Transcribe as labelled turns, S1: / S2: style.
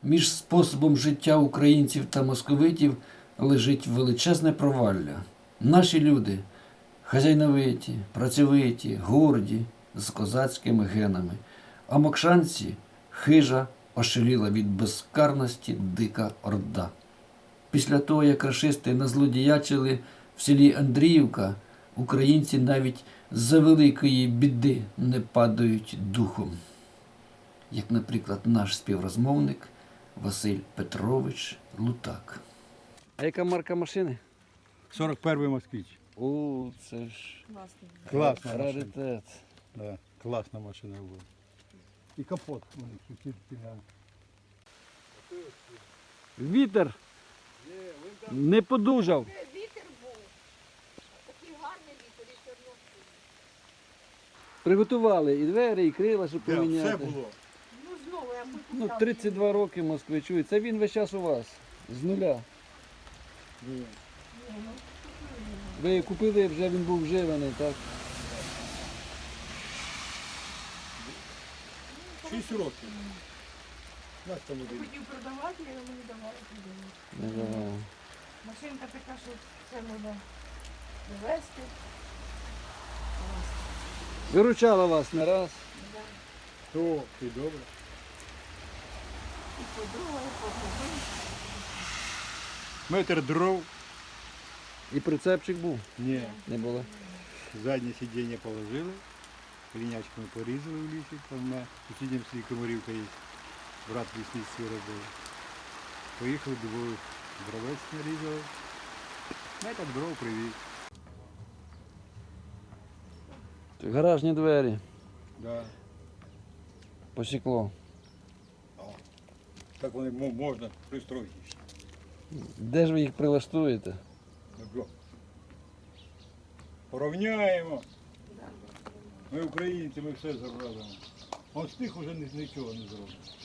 S1: Між способом життя українців та московитів лежить величезне провалля. Наші люди хазяйновиті, працьовиті, горді, з козацькими генами, а мокшанці хижа, ошаліла від безкарності дика орда. Після того, як рашисти назлодіячили в селі Андріївка, українці навіть за великої біди не падають духом. Як, наприклад, наш співрозмовник Василь Петрович Лутак. А яка марка машини?
S2: 41-й москвич.
S1: О, це ж
S2: Класна машина.
S1: раритет.
S2: Да, класна машина була. І капот у них тільки на.
S1: Вітер не подужав.
S3: Вітер був. Такий гарний вітер і Чорнобиль.
S1: Приготували і двері, і крила, щоб
S2: Да,
S1: поміняти.
S2: все було.
S3: Ну знову я хочу.
S1: Ну, 32 роки москвичу. І це він весь час у вас. З нуля. Ви купили, вже він був вживаний, так?
S2: 6 років. Нас там один.
S3: Хотів продавати, я йому не давала.
S1: Не давав.
S3: Машинка така, що все можна довести.
S1: Виручала вас не раз.
S2: То, ти добре.
S3: І подруга, і подруга.
S2: Метр дров.
S1: І прицепчик був.
S2: Ні.
S1: Не було.
S2: Заднє сидіння положили. Клінячками порізали в лісі. Там на сусідньому селі Комарівка є. Брат лісництві робив. Поїхали двоє. Дровець нарізали. Метр дров привіз.
S1: Гаражні двері.
S2: Да.
S1: Посікло.
S2: Так вони можна пристроїти.
S1: Де ж ви їх прилаштуєте?
S2: Добро. Порівняємо. Ми українці, ми все зробимо. Он з тих уже нічого не зробимо.